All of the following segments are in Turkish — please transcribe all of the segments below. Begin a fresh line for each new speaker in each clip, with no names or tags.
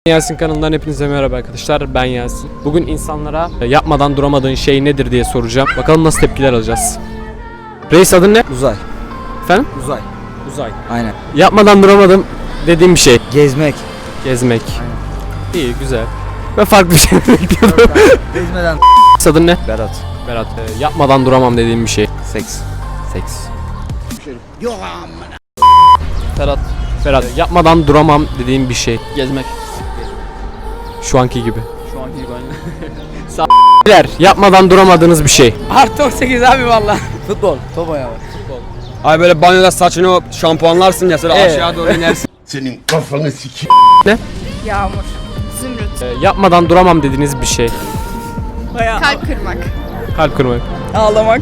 Yasin kanalından hepinize merhaba arkadaşlar, ben Yasin. Bugün insanlara yapmadan duramadığın şey nedir diye soracağım. Bakalım nasıl tepkiler alacağız. Reis, adın ne?
Uzay.
Efendim?
Uzay.
Uzay.
Aynen.
Yapmadan duramadım dediğim bir şey.
Gezmek.
Gezmek.
Aynen.
İyi, güzel. Ben farklı bir şey bekliyordum.
Gezmeden.
Adın ne?
Berat.
Berat. Yapmadan duramam dediğim bir şey.
Seks.
Seks. Ferhat. Ferhat. Yapmadan duramam dediğim bir şey.
Gezmek.
Şu anki gibi.
Şu anki gibi aynı.
Beyler, yapmadan duramadığınız bir şey.
Artı 18 abi valla.
Futbol. Top ayağı.
Ay böyle banyoda saçını şampuanlarsın ya sonra aşağı doğru inersin.
Senin kafanı sikeyim.
Yağmur, zümrüt,
Yapmadan duramam dediğiniz bir şey.
kalp kırmak,
Kalp kırmak.
Ağlamak.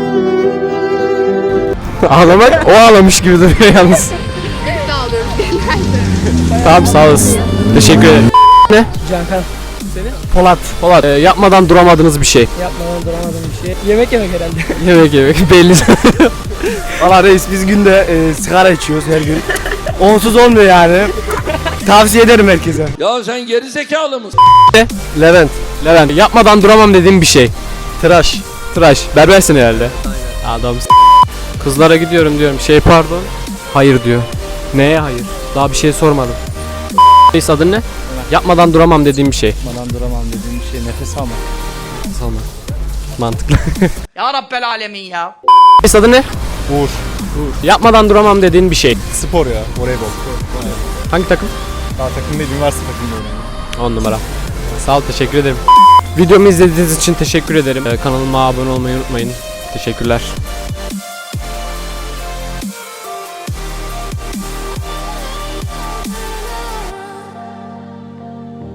Ağlamak, o ağlamış gibi duruyor yalnız.
birlikte ağlıyoruz genelde.
Tamam, sağ olasın. Teşekkür ederim. Ne?
Cankan.
Polat. Polat. Yapmadan duramadığınız bir şey.
Yapmadan duramadığım bir şey. Yemek yemek herhalde.
Yemek belli.
Valla reis biz günde sigara içiyoruz her gün. Onsuz olmuyor yani. Tavsiye ederim herkese.
Ya sen geri zekalı mısın?
Levent.
Levent. Yapmadan duramam dediğim bir şey.
Tıraş.
Tıraş. Berbersin herhalde. Aynen. Adamsın. Kızlara gidiyorum diyorum. Pardon. Hayır diyor. Neye hayır? Daha bir şey sormadım. Reis, adın ne? Yapmadan duramam dediğim bir şey.
Yapmadan duramam dediğim bir şey nefes almak.
Salma. Mantıklı.
Ya Rabbel alemin ya.
Reis, adın ne?
Uğur.
Yapmadan duramam dediğin bir şey.
Spor ya. Voleybol.
Hangi takım?
Daha takım değil, üniversite takımda oynuyorum.
10 numara. Sağ ol, teşekkür ederim. Videomu izlediğiniz için teşekkür ederim. Kanalıma abone olmayı unutmayın. Teşekkürler.